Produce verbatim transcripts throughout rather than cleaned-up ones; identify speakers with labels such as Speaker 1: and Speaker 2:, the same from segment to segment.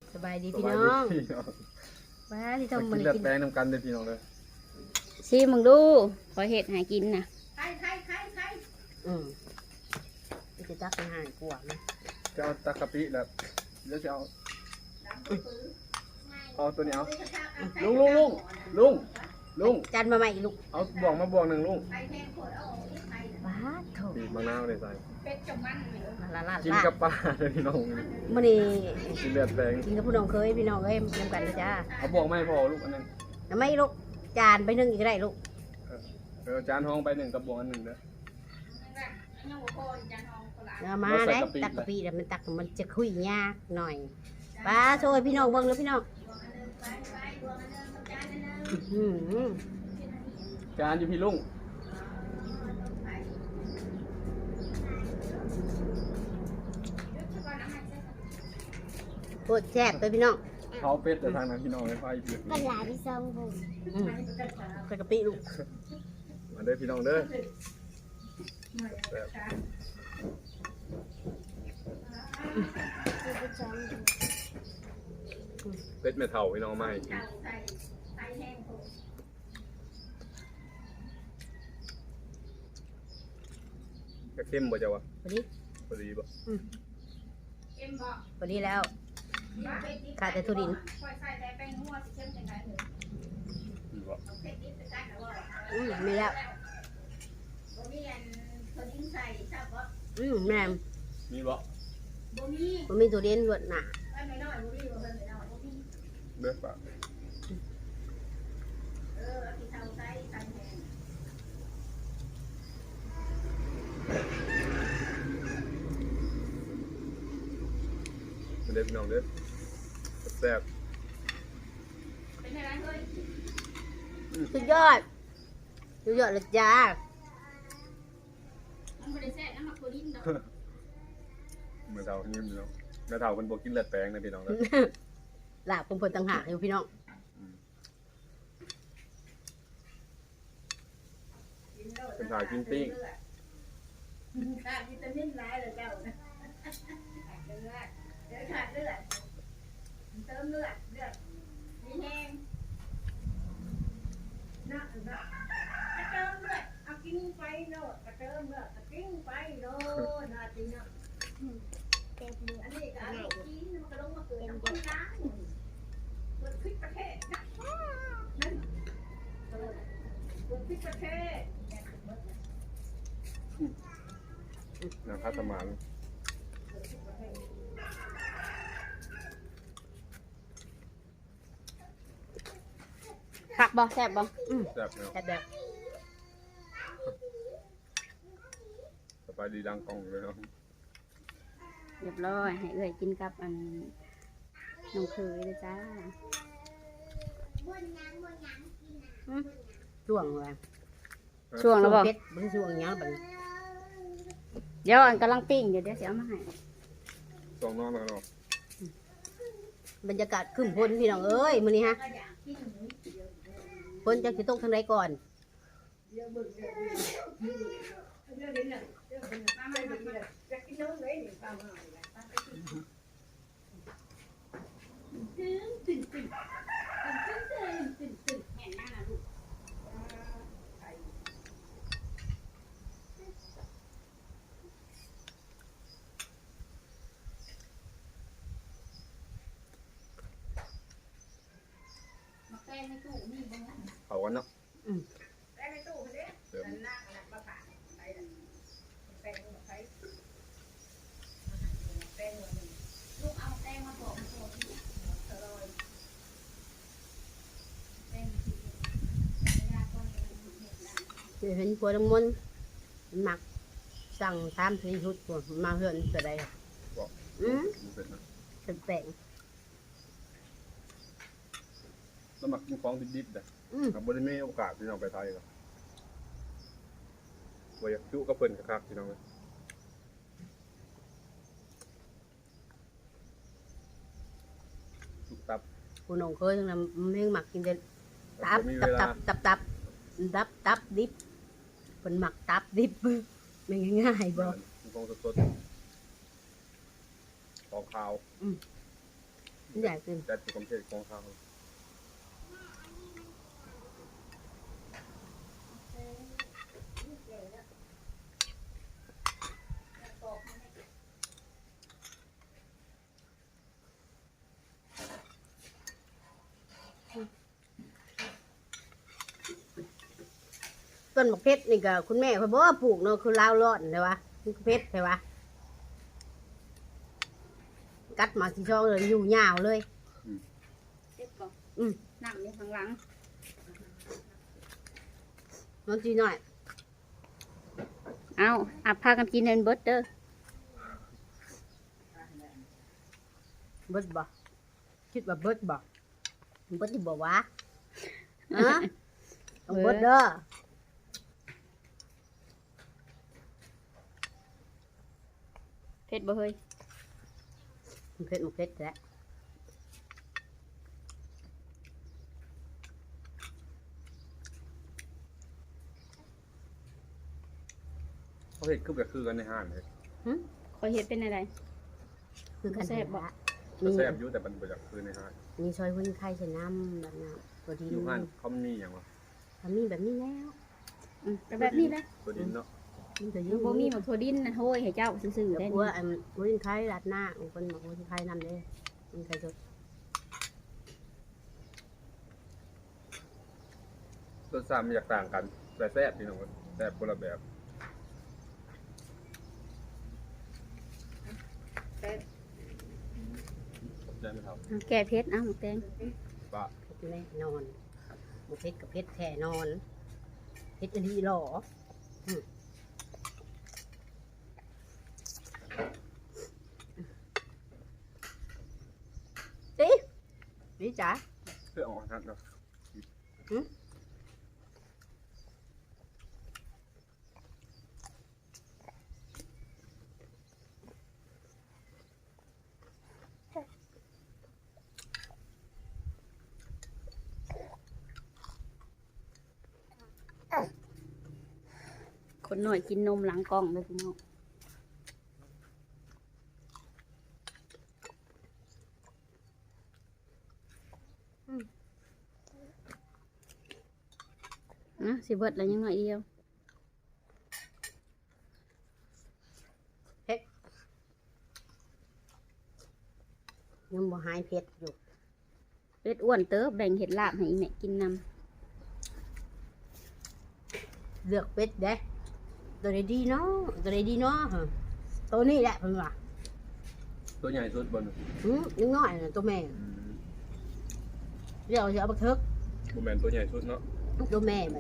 Speaker 1: สบายดีพี่น้องว้าที่ทำมัน
Speaker 2: กินเลือด
Speaker 1: กิน
Speaker 2: แป้งน้ำกันเด้อพี่น้องเลย
Speaker 3: ซีมึงดูขอเห็ดหากินนะ
Speaker 4: ใครใครใครใคร
Speaker 1: อืมจะตักไปหายกว่านะ
Speaker 2: จะเอาตะกะปิแล้วแล้วจะเอาเอาตัวนี้เอาลุงลุงลุงลุงลุง
Speaker 1: จันมาใหม่ลูก
Speaker 2: เอาบ่วงมาบ่วงหนึ่งลุง
Speaker 4: ใครแทงขวดเอาออกนี่ใคร
Speaker 1: ว้าโถ
Speaker 2: บีบมะนาวเลยใส่
Speaker 4: เป็ดจมมันเลย
Speaker 1: มาละลาด
Speaker 2: กิน
Speaker 1: ลา
Speaker 2: กั
Speaker 1: ด
Speaker 2: บปลาเลยพี่น้อง
Speaker 1: มื่อนี้
Speaker 2: กินเลือดแป้ง
Speaker 1: กินกับผู้น้องเคยพี่น้องเอ้ยนำกันเลยจ้า
Speaker 2: เอาบ่วงไม่พอลูกอันนึง
Speaker 1: ทำไมลูกจานไปนึ่งอีกได้ลูก
Speaker 2: เออจานห้องไปหนึ่งกับบ่วงอันหนึ่งเด้อ
Speaker 4: ยังหัวโคนจันทองโคราช
Speaker 1: เอามาได้ตักกะปิแต่มันตักมันจะคุยยากหน่อยป้าโชยพี่น้องเบิ่งเลยพี่น้องอืม
Speaker 2: จานอยู่พี่ลุง
Speaker 1: โคตรแซ่บเลยพี่น้อง
Speaker 2: เขาเป็ดแต่ทางนั้นพี่น้องเลยไฟเปลือก
Speaker 3: กันหลายพี่ซองผม
Speaker 1: อืมใส่กะปิลูก
Speaker 2: มาเด้อพี่น้องเด้อเป็ดแม่เฒ่าพี่น้องมาให้กิน
Speaker 4: ใส่ใส่แทงขวด
Speaker 2: จะเข้มบ่เจ้าวะ
Speaker 1: พอดี
Speaker 2: พอดีบ่
Speaker 4: เอ็มบอก
Speaker 1: พอดีแล้ว ขาดแต่ถั่วดิน
Speaker 4: คอยใส่แต่แป้งนัวสิเข้มจังไงเลย
Speaker 2: ดีบ่
Speaker 4: เอาเป็ดดิบไปใส่แล้วว่า
Speaker 1: อืมมีแล้ว
Speaker 4: บ่มีอันถั่วดินใส่ทราบบ่
Speaker 1: อืมแม่ม
Speaker 2: มีบ่
Speaker 4: บ่มี
Speaker 1: มันมีตัวเด่นรวดหนา
Speaker 4: ไว้ไม่น้อยบ่มีบ่เพิ่นไม่น้อยบ่มี
Speaker 2: เด้อป่ะ
Speaker 4: เออเอาที่เท่าใส่ใส่แทง
Speaker 2: มาเด้อพี่น้องเด้อแซ่บ
Speaker 4: เป็นไงเฮ้ย
Speaker 1: สุดยอดสุดยอดเลยจ้า
Speaker 4: มันบ่ได้แซ่บน้ำหมักถั่วดินดอก
Speaker 2: เมื่อเฒ่ายิ้มพี่น้องแม่เฒ่าเพิ่นบ่กินเลือดแปลงนะพี่น้องเด้อ
Speaker 1: ลาบผมผลต่างหากอยู่พี่น้อง
Speaker 2: เป็นถ่ายกินปิ้ง
Speaker 4: ขาดวิตามินหลายเลยเจ้านะขาดเลือดเดี๋ยวขาดเลือดเติมเลือดเลือดมีแห้งนะนะกระเติมเลือดเอากินไปโน่กระเติมเลือดกระติ้งไปโน่นาจริงเนาะ
Speaker 3: เต็มมือ
Speaker 4: อันนี้ก็เอาลูกกินมันก็ลงมาเกิดน้ำคนล้างเกิดพิษประเทศนะนั่นเกิดพิษประเทศ
Speaker 2: นะครับสมาน
Speaker 3: ผักบ่แซ่บบ่
Speaker 1: อืม
Speaker 2: แซ่บเนาะ
Speaker 1: แซ่บแบบ
Speaker 2: สบายดีดังกล้องเลยเนาะ
Speaker 3: เรียบร้อยให้เอื้อยกินกับอันน้องเคยเลยจ้า
Speaker 1: อืมช่วงเลย
Speaker 3: ช่วงแล้วบ่
Speaker 1: เพชรมันช่วงหยังบัดนี้
Speaker 3: เดี๋ยวอันกำลังปิ้งอยู่เดี๋ยวสิเอามาให้
Speaker 2: สองน้องแล้วเนาะ
Speaker 1: บรรยากาศขึ้นพ้นพี่น้องเอ้ยมื้อนี้ฮะ
Speaker 4: ก็อยากกินหมู
Speaker 1: พ้นจะสิตกทางใดก่อน
Speaker 4: เดี๋ยวเบิ่งเดี๋ยวเบิ่งเดี๋ยวเดี๋ยวเดี๋ยวเดี๋ยวเบิ่งมามามาอยากกินน้ำเลยนี่ตามมาเลยตามไปกินตึ้งตึ้งตึ้งตึ้งตึ้งตึ้งตึ้งแม่นมากนะลูกมาแป้งในตู้นี่บ้างนะ
Speaker 2: เผากันเนาะ
Speaker 4: แป้งในตู้คนเด้
Speaker 2: เติม
Speaker 4: นั่งนั่งมาผ่านไปแป้งมาไปแป้งมาหนึ่งลูกเอาแป้งมาบอกมาบอกที่ตลอดแป้งที่ไม่ได้ก้อนเห็ดนะ
Speaker 1: เห็นผัวน้ำมนต์มันมักสั่งตามสีชุดตัวมาเฮือนจะได้
Speaker 2: บอก
Speaker 1: อืม
Speaker 2: มันเป็นนะ
Speaker 1: เป็นแปลง
Speaker 2: แล้วมักกินของดิบๆแต่
Speaker 1: อืม
Speaker 2: ครับบ่ได้มีโอกาสที่น้องไปไทยหรอกบ่อยากจุกับเพิ่นคักๆพี่น้องเอ้ยจุกตับ
Speaker 1: ผู้น้องเคยทั้งนั้นมันยังมักกินแต่ตับ
Speaker 2: บ่มี
Speaker 1: ตั
Speaker 2: เว
Speaker 1: บ
Speaker 2: ลา
Speaker 1: ตับตับตับตับตับดิบเป็นหมักตับดิบมันง่ายๆบ่
Speaker 2: มันของสดๆของขาว
Speaker 1: อืมใหญ่ขึ้น
Speaker 2: แต่ที่ผมเทศของเขา
Speaker 1: ต้นมะเพชรนี่ก็คุณแม่เขาบอกว่าปลูกเนาะคือลาวร้อนใช่ปะมันเพชรใช่ปะกัดมาสีช่องเลยอยู่ยาวเลย
Speaker 3: เจ็บบ่
Speaker 1: อืม
Speaker 3: นั่งอยู่ข้างหลัง
Speaker 1: น้องจีหน่อย
Speaker 3: เอาอาพากันกินเงินเบิดเด้อ
Speaker 1: เบิดบ่คิดว่าเบิดบ่เบิดที่บอกว่าฮะต้องเบิดเด้อ
Speaker 3: เผ็ดบ่เฮ้ย
Speaker 1: มันเพชรมันเพชรแล้ว
Speaker 2: เขาเห็ดคือแบบคือกันในห้างเลย
Speaker 3: คอยเฮ็ดเป็นอะไร
Speaker 1: คือกัน
Speaker 3: แซ่บบ่
Speaker 2: จะ
Speaker 1: มี
Speaker 2: แซ่บอยู่แต่มันแบบคือในห้าง
Speaker 1: มีซอยหุ้นไข่ใส่น้ำแบบน้ำตัวดิน
Speaker 2: อยู่ห้างเขามีอย่างวะ
Speaker 1: ทำมีแบบนี้แล้ว
Speaker 3: อืมก็แบบนี้แหละ
Speaker 2: ตัวดินเนาะ
Speaker 1: มันตัว
Speaker 3: ยั
Speaker 1: ยิ่
Speaker 3: ง
Speaker 1: ง
Speaker 3: บ่มีหมักถั่วดินนะโหยให้เจ้าซื่อๆ
Speaker 1: แล้
Speaker 3: ได้
Speaker 1: วกลัวอันหุ้นไข่รัดหน้าบางคนบอกหุ้นไข่น้ำเลยหุ้นไข่สด
Speaker 2: รสชาติมันอยากต่างกันแต่แซ่บพี่น้องแซ่บคนละแบบ
Speaker 4: แต่
Speaker 2: ใช่ไหมครับ
Speaker 3: เอาแก้เผ็ดเอาหมูแตง
Speaker 2: ป้า
Speaker 1: แน่นอนหมูเพชรกับเพชรแท่นอนเพชรอันนี้หล่ออืมดิดิจ๋า
Speaker 2: เพื่อออกทันเนาะ
Speaker 3: คนหน่อยกินนมหลังกล้องเลยพี่น้องนะสิเบิดแล้วยังหน่อยเดียว
Speaker 1: ยังบ่หายเพชรอยู่
Speaker 3: เป็ดอ้วนเติบแบ่งเห็ดลาบให้อีแม่กินน
Speaker 1: เลือกเป็ดเด้ตัวใดดีเนาะตัวใดดีเนาะฮะตัวนี้แหละเพิ่นว่า
Speaker 2: ตัวใหญ่สุดบน
Speaker 1: หืมยังน้อยน่ะตัวแม่เดี๋ยวจะเอาไปทึก
Speaker 2: โมแมนตัวใหญ่สุดเนาะ
Speaker 1: ตัวแม่มัน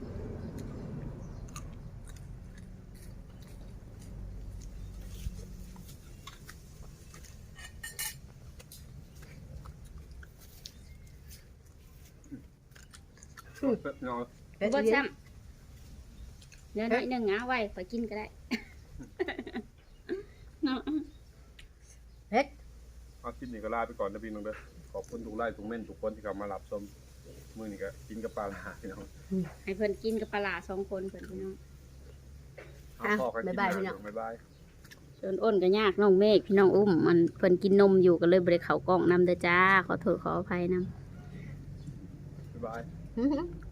Speaker 2: เนาะ
Speaker 3: ำ
Speaker 1: เป็ด
Speaker 3: เบิด
Speaker 1: เลี้ย
Speaker 3: ซ้
Speaker 1: ง
Speaker 3: ำเดี๋ยวหน่อยหนึ่งเอาไว้ขอยกินก็ได้ เนาะ
Speaker 1: เป็ด
Speaker 2: เอาคลิปนี้ก็ลาไปก่อนนะพี่น้องเด้อขอบคุณทุกไลค์ทุกเม่นทุกคนที่เข้ามารับชมมื้อนี้ก็กินกับปลาหลาพี่น้อง
Speaker 3: ให้เพิ่นกินกับปลาร้าสองคนเพิ่นพี่น้อง
Speaker 2: เอาพอกันกินนะบ๊ายบาย
Speaker 3: ส่วนอ้นก็ยากน้องเมฆพี่น้องอุ้มมันเพิ่นกินนมอยู่ก็เลยบ่ได้เข้ากล้องนำเด้อจ้าขอโทษขออภัยนำ
Speaker 2: บ๊ายบาย
Speaker 1: หืม